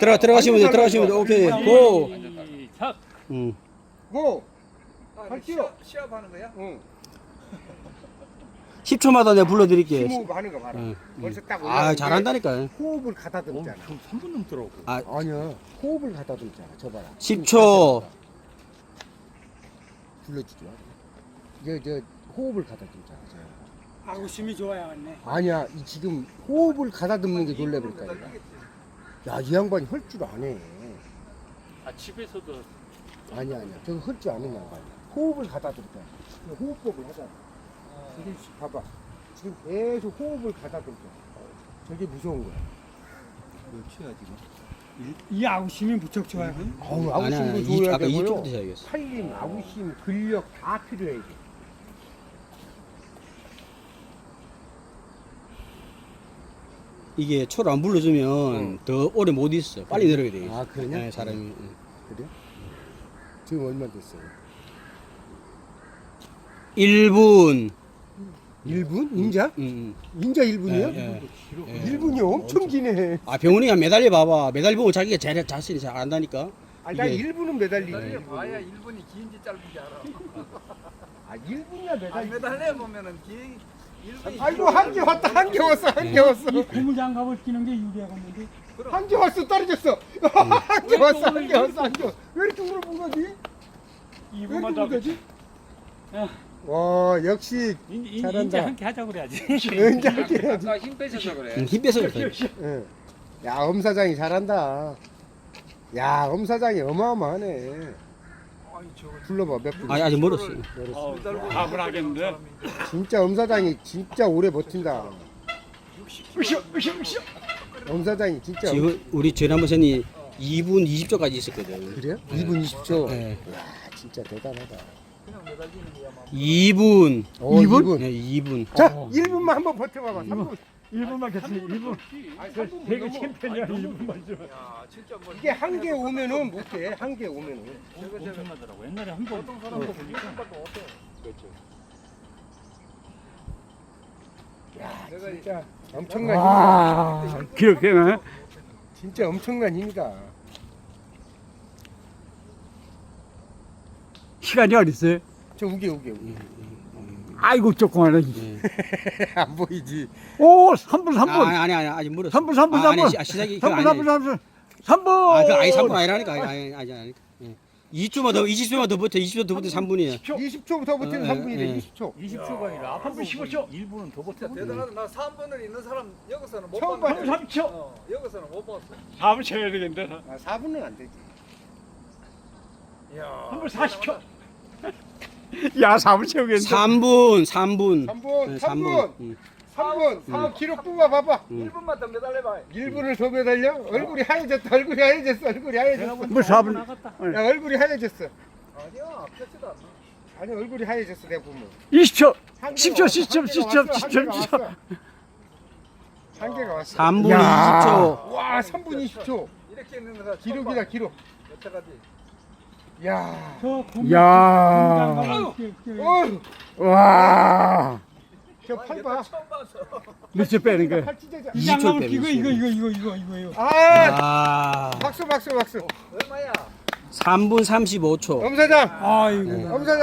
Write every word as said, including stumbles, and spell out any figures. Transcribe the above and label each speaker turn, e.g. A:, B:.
A: 들어가 들어가시면 돼. 들어가시면 돼. 오케이. 고.
B: 시작.
A: 음.
C: 고.
D: 아,
C: 할게요.
D: 시합, 시합하는 거야?
C: 응.
A: 십 초마다 내가 불러 드릴게.
C: 심호흡 하는 거 봐라.
A: 응,
C: 벌써 딱
A: 아,
C: 올라가는데
A: 잘한다니까.
C: 호흡을 가다듬잖아.
B: 좀 삼 분 넘더라고.
A: 아,
C: 아니야. 호흡을 가다듬잖아. 저 봐라.
A: 십 초.
C: 불러주지 마. 저, 저 호흡을 가다듬잖아. 저.
E: 아구심이 좋아야겠네.
C: 아니야. 이 지금 호흡을 가다듬는 게 놀래버릴까 내가. 야, 이 양반이 할 줄 아네.
B: 아 집에서도
C: 아니야, 아니야. 저거 할 줄 아는 양반이야. 호흡을 가다듬잖아. 호흡법을 하잖아. 이게 봐봐. 지금 계속 호흡을 가다듬잖아. 저게 무서운 거야. 몇 초야 지금?
E: 이 아구심이 무척 좋아요.
C: 아우,
A: 아니, 아니,
C: 아우심도
A: 이-
C: 줘야
A: 아까 이십 초부터
C: 되고요.
A: 시작했어.
C: 살림, 아우심, 근력 다 필요해 이게.
A: 이게 초를 안 불러주면 더 오래 못 있어. 빨리 내려가야 돼.
C: 아, 그러냐?
A: 네, 사람이. 응.
C: 그래? 지금 얼마 됐어요?
A: 일 분.
C: 일 분? 인자?
A: 응,
C: 인자 일 분이요?
A: 예, 예.
C: 일 분이 엄청 기네.
A: 아, 병훈이가 매달려 봐봐. 매달려 보면 자기가 잘, 자신이 잘 안다니까.
C: 아니, 나
A: 이게-
C: 일 분은 매달리지.
D: 매달려 봐야 일 분이 긴지 짧은지 알아.
C: 아, 일 분이야
D: 아,
C: 매달리.
D: 매달려 보면은 긴 일 분이
C: 아이고, 한 개 왔다. 한 개 왔어. 한 개 왔어.
E: 이 고무장갑을 끼는 게 유리하겠는데.
C: 한 개 왔어. 떨어졌어. 한 개 왔어. 한 개 왔어. 한 개 왔어. 왜 이렇게 물어본 거지? 왜
B: 이
C: 이렇게
B: 분만
C: 물
B: 더
C: 거지?
E: 야.
C: 와, 역시
E: 이제
C: 잘한다.
E: 함께 하자 그래야지.
C: 은자 할게 해야지.
D: 아까 힘 빼셔서 그래.
A: 응, 힘 빼서 그래.
C: 응. 야, 엄 사장이 잘한다. 야, 엄 사장이 어마어마하네.
D: 아니 저거
C: 불러봐, 몇 분?
A: 아니, 아직 멀었어.
C: 열었어.
B: 밥을 하겠는데.
C: 진짜 엄 사장이 진짜 오래 버틴다.
B: 으쌰 으쌰 으쌰.
C: 엄 사장이 진짜.
A: 지금 우리 지난번 선이 이 분 이십 초까지 있었거든.
C: 그래요? 이 분 이십 초.
A: 네.
C: 야, 진짜 대단하다.
D: 그냥 매달리는 거야 막.
A: 이 분.
C: 어, 이 분?
A: 네, 이 분.
C: 자, 일 분만 한번 버텨봐봐. 삼 분.
B: 일 분만 됐지. 일 분.
C: 아니, 삼 분
B: 되게
C: 넘어.
B: 챔피언이야. 일 분만 좀.
D: 야 진짜 뭐
C: 이게 한 개 오면은 못 돼. 한 개 오면은.
B: 엄청나더라고. 옛날에 한 번.
D: 보통 사람도 보니까 못해.
C: 그렇죠. 야,
D: 내가
C: 진짜 엄청난 힘이다.
B: 아 기억해.
C: 진짜 엄청난 힘이다.
B: 시간이 어디 있어요?
C: 저 우게 우게 우게.
B: 아이고 조그마해.
A: 네.
C: 안 보이지.
B: 오 삼 분 삼 분.
A: 아, 아니, 아니, 아직 멀었어.
B: 삼 분 삼 분
A: 아,
B: 삼
A: 아니,
B: 분.
A: 시- 아, 시작이 그거
B: 삼 분 삼
A: 아니에요.
B: 분 삼 분. 삼 분.
A: 아, 그 아니 삼 분 아니라니까. 아니, 아니, 아니, 아니. 예. 이 초만 더, 이십 초만 더 버텨. 이십 초 더 버텨 삼 분이야.
C: 이십 초부터 버티면
A: 어,
C: 삼 분이래.
A: 예.
C: 이십 초.
B: 이십 초가 아니라 한 분 십오 초. 일 분은 더
D: 진짜
B: 버텨.
D: 대단하다. 나 삼 분을 있는 사람 여기서는 못
C: 처음
D: 봤는데.
B: 삼 분 삼 초.
D: 어, 여기서는 못 봤어.
B: 사 분 쳐야 되겠는데.
C: 아, 사 분은 안 되지.
D: 야.
B: 한 분 사십 초. 야 사 분 채우겠는데.
A: 삼 분, 삼 분.
C: 삼 분,
A: 네,
C: 삼 분.
A: 응.
C: 삼 분. 삼 분 기록 뽑아 봐봐.
A: 음.
D: 일 분만 더 매달려봐.
C: 일 분을 더 매달려? 얼굴이 하얘졌다. 얼굴이 하얘졌어. 얼굴이 하얘졌어.
B: 뭐 사 분.
C: 야, 얼굴이 하얘졌어.
D: 아니야, 펴지도 않아.
C: 아니, 얼굴이 하얘졌어. 내가 보면.
B: 이십 초.
C: 한
B: 십
C: 개가
B: 초,
C: 왔어,
B: 십 초,
C: 한
B: 십
C: 개가
B: 초,
C: 왔어,
B: 십
C: 한
B: 초,
C: 개가
B: 십 초.
C: 왔어. 한 개가 왔어.
A: 삼 분
B: 야.
A: 이십 초.
C: 와, 삼 분 이십 초.
D: 이렇게 있는 거가
C: 기록이다, 기록.
D: 여태까지.
C: 야.
E: 저 고무
B: 야.
E: 고무장갑을 끼- 끼-
C: 어,
B: 와.
C: 저 팔 봐.
D: 처음 봤어.
B: 몇초 빼는 거야?
C: 팔 찢어져.
E: 이
A: 이십 초
E: 장갑을
A: 빼면
E: 끼고
A: 있어요.
E: 이거 이거 이거 이거 이거요.
C: 아,
A: 아.
C: 박수, 박수, 박수.
D: 얼마야?
A: 삼 분 삼십오 초.
C: 엄 사장.
E: 아이고.
C: 엄 사장.